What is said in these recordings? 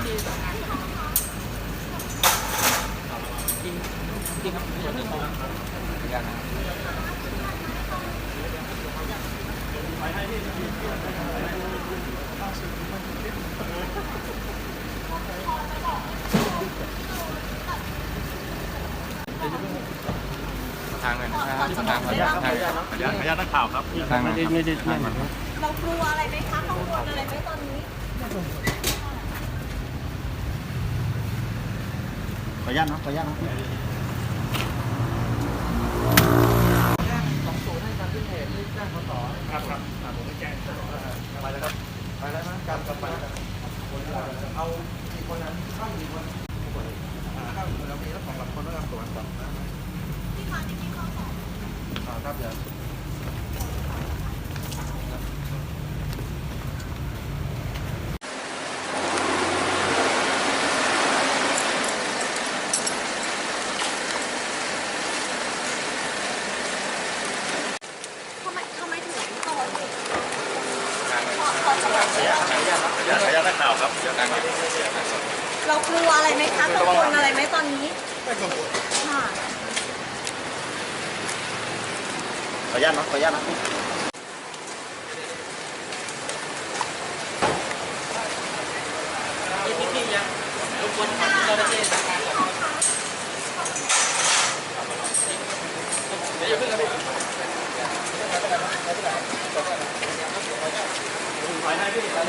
ที่ครับส่วนหนึ่งของอย่างนะทางเลยนะครับทางขออนุญาตนักข่าวครับทางไม่ได้เรากลัวอะไรไหมคะกังวลอะไรไหมตอนนี้ขออนุญาตนะขออนุญาตนะ 20ให้การที่เหตุที่แจ้งขสครับผมไม่แจ้งไปแล้วครับไปแล้วนะการกลับไปเอากี่คนนั้นเข้ากี่คนเข้าเรามีแล้วของหลักคนแล้วตรวจก่อนนะที่มาที่นี่เขาสอบครับเดี๋ยวทำไมถึงก่อเหตุขออนุญาตนักข่าวครับเรากลัวอะไรไหมคะกังวลอะไรไหมตอนนี้ไม่กังวลค่ะขออนุญาตนะขออนุญาตนะพี่ยังรบกวนเจ้าหน้าที่นะครับเดี๋ยวอย่าเพิ่งนะพี่ไปให้พี่ไป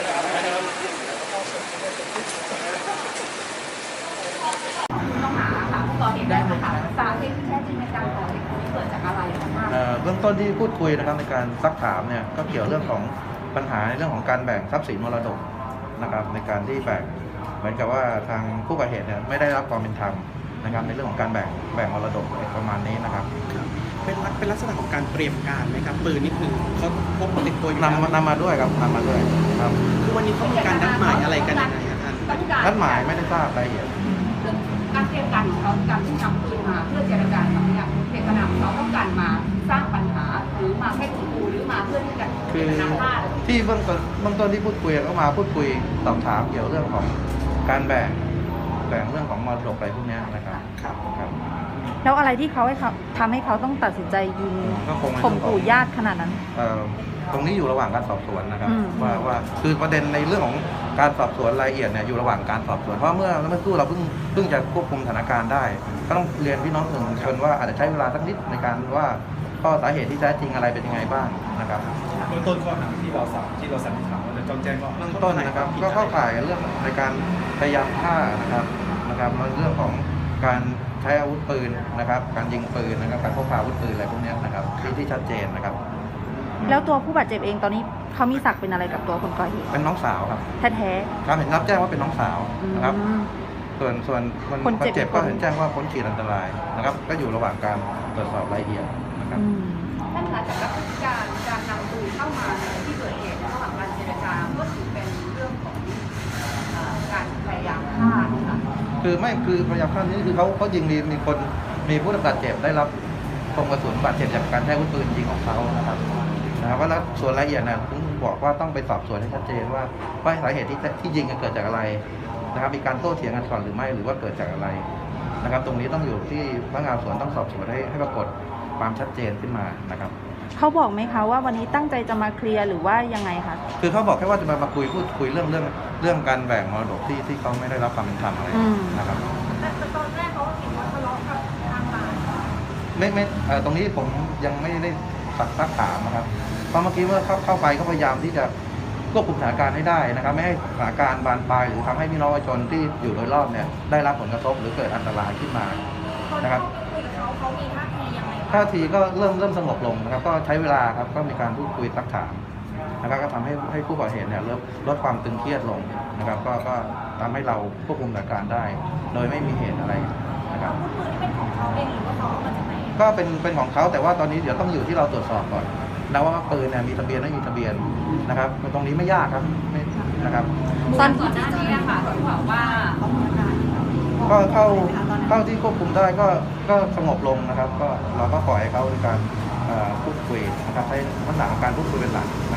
ต้องหาค่ะผู้ก่อเหตุได้ไหมคะสาเหตุที่แท้จริงในการก่อเหตุนี้เกิดจากอะไรคะเบื้องต้นที่พูดคุยนะครับในการซักถามเนี่ยก็เกี่ยวเรื่องของปัญหาในเรื่องของการแบ่งทรัพย์สินมรดกนะครับในการที่แบ่งเหมือนกับว่าทางผู้ก่อเหตุเนี่ยไม่ได้รับความเป็นธรรมนะครับในเรื่องของการแบ่งมรดกประมาณนี้นะครับเป็นลักษณะของการเตรียมการไหมครับปืนนี่คือเขาพกติดตัวอยู่นำมาด้วยครับนำมาด้วยครับคือวันนี้เขามีการนัดหมายอะไรกันยังไงครับท่านนัดหมายไม่ได้ทราบรายละเอียดการเตรียมการของเขาการที่นำปืนมาเพื่อเจรจาสัญญาเจตนาของเขาต้องการมาสร้างปัญหาหรือมาแค่ขู่หรือมาเพื่อที่จะเจตนาฆ่าที่เบื้องต้นที่พูดคุยก็มาพูดคุยสอบถามเกี่ยวเรื่องของการแบ่งเรื่องของมรดกอะไรพวกนี้นะครับแล้วอะไรที่เขาทำให้เขาต้องตัดสินใจยิงข่มขู่ญาติขนาดนั้นตรงนี้อยู่ระหว่างการสอบสวนนะครับว่าคือประเด็นในเรื่องของการสอบสวนรายละเอียดเนี่ยอยู่ระหว่างการสอบสวนเพราะเมื่อสู้เราเพิ่งจะควบคุมสถานการณ์ได้ก็ต้องเรียนพี่น้องสื่อมวลชนว่าอาจจะใช้เวลาสักนิดในการว่าข้อสาเหตุที่แท้จริงอะไรเป็นยังไงบ้างนะครับเบื้องต้นข้อหาที่เราสันนิษฐานว่าจะต้องแจ้งว่าเบื้องต้นนะครับก็เข้าข่ายเรื่องในการพยายามฆ่านะครับเรื่องของการใช้อาวุธปืนนะครับการยิงปืนนะครับการพกพาอาวุธปืนอะไรพวกนี้นะครับที่ชัดเจนนะครับแล้วตัวผู้บาดเจ็บเองตอนนี้เขามีศักดิ์เป็นอะไรกับตัวคนก่อเหตุเป็นน้องสาวครับแท้ๆครับเห็นรับแจ้งว่าเป็นน้องสาวนะครับส่วนคนเจ็บก็เห็นแจ้งว่าพ้นขีดอันตรายนะครับก็อยู่ระหว่างการตรวจสอบรายละเอียดนะครับท่านคะจากพฤติการนำปืนเข้ามาในที่เกิดเหตุระหว่างการเจรจาก็ถือเป็นเรื่องของการพยายามฆ่าค่ะคือพยายามฆ่านี่คือเขายิงมีผู้บาดเจ็บได้รับคมกระสุนบาดเจ็บจากการใช้อาวุธปืนยิงของเขานะครับว่าแล้วส่วนรายละเอียดนะผมบอกว่าต้องไปสอบสวนให้ชัดเจนว่าสาเหตุที่ยิงเกิดจากอะไรนะครับมีการโต้เถียงกันก่อนหรือไม่หรือว่าเกิดจากอะไรนะครับตรงนี้ต้องอยู่ที่พนักงานสอบสวนต้องสอบสวนให้ปรากฏความชัดเจนขึ้นมานะครับเขาบอกไหมคะว่าวันนี้ตั้งใจจะมาเคลียร์หรือว่ายังไงคะคือเขาบอกแค่ว่าจะมาพูดคุยเรื่องการแบ่งมรดกที่เขาไม่ได้รับความเป็นธรรมอะไรนะครับแต่ตอนแรกเขาเห็นว่าทะเลาะกับทางบ้านไม่ตรงนี้ผมยังไม่ได้ซักถามนะครับเพราะเมื่อกี้เมื่อเข้าไปก็พยายามที่จะควบคุมสถานการณ์ให้ได้นะครับไม่ให้สถานการณ์บานปลายหรือทำให้พี่น้องประชาชนที่อยู่โดยรอบเนี่ยได้รับผลกระทบหรือเกิดอันตรายขึ้นมานะครับเขามีท่าทียังไงท่าทีก็เริ่มสงบลงนะครับก็ใช้เวลาครับก็มีการพูดคุยซักถามนะครับก็ทำให้ผู้ก่อเหตุเนี่ยลดความตึงเครียดลงนะครับก็ทำให้เราควบคุมสถานการณ์ได้ โดยไม่มีเหตุอะไรนะครับปืนที่เป็นของเขาเองหรือว่าเขาเอามาจากไหนก็เป็นของเขาแต่ว่าตอนนี้เดี๋ยวต้องอยู่ที่เราตรวจสอบก่อนนะว่าปืนเนี่ยมีทะเบียนไม่มีทะเบียนนะครับตรงนี้ไม่ยากครับนะครับตอนก่อนหน้านี้นะคะเขาบอกว่าก็เข้าที่ควบคุมได้ก็สงบลงนะครับก็เราก็ปล่อยให้เขาในการพูดคุยนะครับใช้ลักษณะของการพูดคุยเป็นหลักนะครับ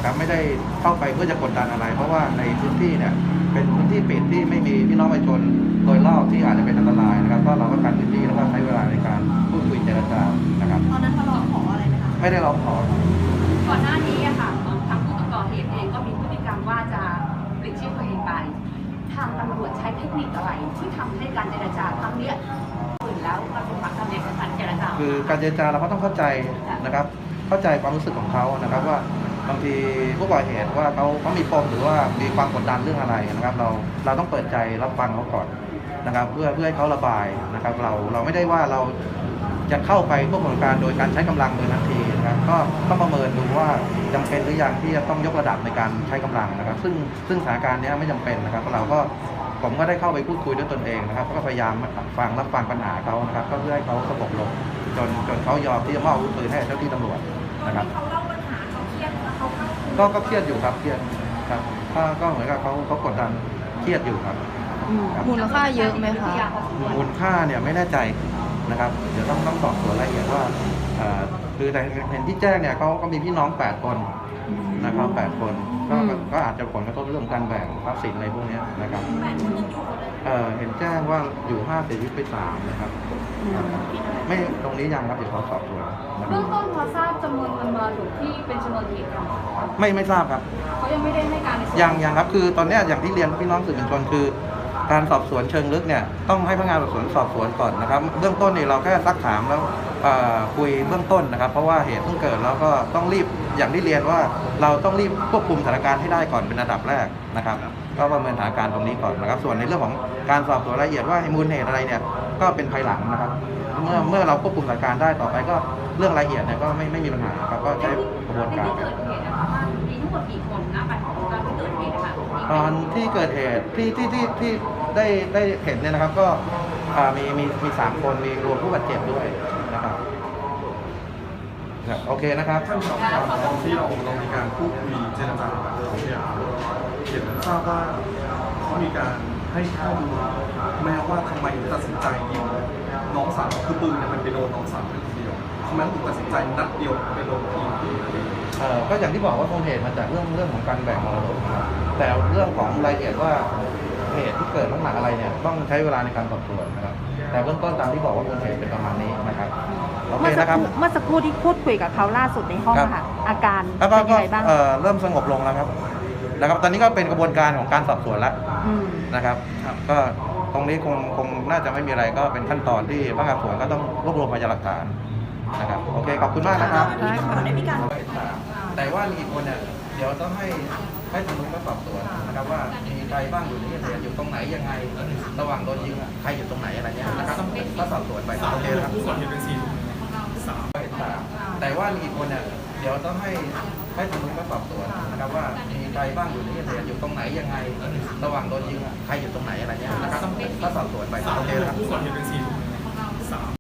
นะครับไม่ได้เข้าไปเพื่อจะกดดันอะไร เพราะว่าในพื้นที่เนี่ยเป็นพื้นที่ปิดที่ไม่มีพี่น้องประชาชนโดยรอบที่อาจจะเป็นอันตรายนะครับก็เราก็กันพื้นที่แล้วก็ใช้เวลาในการพูดคุยเจรจานะครับตอนนั้นทะเลาะขออะไรไหมคะไม่ได้ร้องขอก่อนหน้านี้อะค่ะทางผู้ก่อเหตุเองก็มีพฤติกรรมว่าจะปลิดชีพตัวเองไป ทางตำรวจใช้เทคนิคอะไรที่ทำให้การเจรจาครั้งเนี้ยฝืนแล้วมันเป็นความสำเร็จในการเจรจาคือการเจรจาเราก็ต้องเข้าใจนะครับเข้าใจความรู้สึกของเขานะครับว่าบางทีผู้ก่อเหตุว่าเขามีปมหรือว่ามีความกดดันเรื่องอะไรนะครับเราต้องเปิดใจรับฟังเขาก่อนนะครับเพื่อให้เขาระบายนะครับเราไม่ได้ว่าเราจะเข้าไปควบคุมการโดยการใช้กำลังโดยทันทีนะครับก็ต้องประเมินดูว่าจำเป็นหรือยังที่จะต้องยกระดับในการใช้กำลังนะครับซึ่งสถานการณ์นี้ไม่จำเป็นนะครับผมก็ได้เข้าไปพูดคุยด้วยตนเองนะครับก็พยายามรับฟังปัญหาเขานะครับก็เพื่อให้เขาสงบลงจนเขายอมที่จะมอบอาวุธปืนให้เจ้าที่ตำรวจนะครับเขาเล่าปัญหาเขาเครียดแล้วเขาเข้าก็เครียดอยู่ครับเครียดครับก็เหมือนกับเขากดดันเครียดอยู่ครับครับมูลค่าเยอะไหมคะมูลค่าเนี่ยไม่แน่ใจนะครับเดี๋ยวต้องสอบสวนรายละเอียดว่าคือแต่เห็นที่แจ้งเนี่ยเขาก็มีพี่น้อง8คนนะครับ8คนก็อาจจะผลกระทบเรื่องการแบ่งทรัพย์สินอะไรพวกนี้นะครับเห็นแจ้งว่าอยู่5เสียชีวิตไป3นะครับไม่ตรงนี้ยังครับเดี๋ยวเขาสอบสวนนะครับเบื้องต้นพอทราบจำนวนเงินมรดกที่เป็นชนวนเหตุของไม่ทราบครับเขายังไม่ได้ให้การในส่วนยังครับคือตอนเนี้ยอย่างที่เรียนพี่น้องสื่อมวลชนคือการสอบสวนเชิงลึกเนี่ยต้องให้พนักงานสอบสวนสอบสวนก่อนนะครับเบื้องต้นนี่เราแค่ซักถามแล้วคุยเบื้องต้นนะครับเพราะว่าเหตุเพิ่งเกิดแล้วก็ต้องรีบอย่างที่เรียนว่าเราต้องรีบควบคุมสถานการณ์ให้ได้ก่อนเป็นอันดับแรกนะครับก็ประเมินสถานการณ์ตรงนี้ก่อนนะครับส่วนในเรื่องของการสอบสวนรายละเอียดว่ามูลเหตุอะไรเนี่ยก็เป็นภายหลังนะครับเมื่อเราควบคุมสถานการณ์ได้ต่อไปก็เรื่องรายละเอียดเนี่ยก็ไม่มีปัญหาครับก็ใช้กระบวนการที่เกิดเหตุนะคะว่ามีทั้งหมดกี่คนนะไปของตอนที่เกิดเหตุนะคะตอนที่เกิดเหตุที่ได้เห็นเนี่ยนะครับก็มี3 คนมีรวมผู้บาดเจ็บด้วยนะครับโอเคนะครับท่านสอบถามตอนที่เรามีการพูดคุยเจรจากับเขาเนี่ยเห็นทราบว่าเขามีการให้ข้อมูลแม้ว่าทำไมถึงตัดสินใจยิงน้องสาวคือปืนเนี่ยมันไปโดนน้องสาวเป็นคนเดียวทำไมถึงตัดสินใจนัดเดียวไปโดนทีมที่ก็อย่างที่บอกว่าต้นเหตุมาจากเรื่องของการแบ่งมรดกนะครับแต่เรื่องของรายละเอียดว่าเหตุที่เกิดน้ำหนักอะไรเนี่ยต้องใช้เวลาในการสอบสวนนะครับแต่เบื้องต้นตามที่บอกว่าต้นเหตุเป็นประมาณนี้นะครับโอเคนะครับเมื่อสักครู่ที่พูดคุยกับเขาล่าสุดในห้องครับค่ะ อาการแล้วเป็นก็ยังไงบ้างเริ่มสงบลงแล้วครับตอนนี้ก็เป็นกระบวนการของการสอบสวนแล้วอืมนะครับก็ตรงนี้คงน่าจะไม่มีอะไรก็เป็นขั้นตอนที่พนักงานสอบสวนก็ต้องรวบรวมพยานหลักฐานนะครับโอเคขอบคุณมากนะครับได้ค่ะได้มีการแต่ว่ามีอีกคนเนี่ยเดี๋ยวต้องให้ทางนู้นก็สอบสวนนะครับว่ามีใครบ้างอยู่ในที่เกิดเหตุอยู่ตรงไหนยังไงระหว่างโดนยิงใครอยู่ตรงไหนอะไรเงี้ยนะครับก็สอบสวนไปโอเคนะครับผู้ก่อเหตุเป็น4 แต่ว่ามีอีกคนเนี่ยเดี๋ยวต้องให้ทางนู้นก็สอบสวนนะครับว่ามีใครบ้างอยู่ในที่เกิดเหตุอยู่ตรงไหนยังไงระหว่างโดนยิงใครอยู่ตรงไหนอะไรเงี้ยนะครับก็สอบสวนไปโอเคนะครับผู้ก่อเหตุเป็น4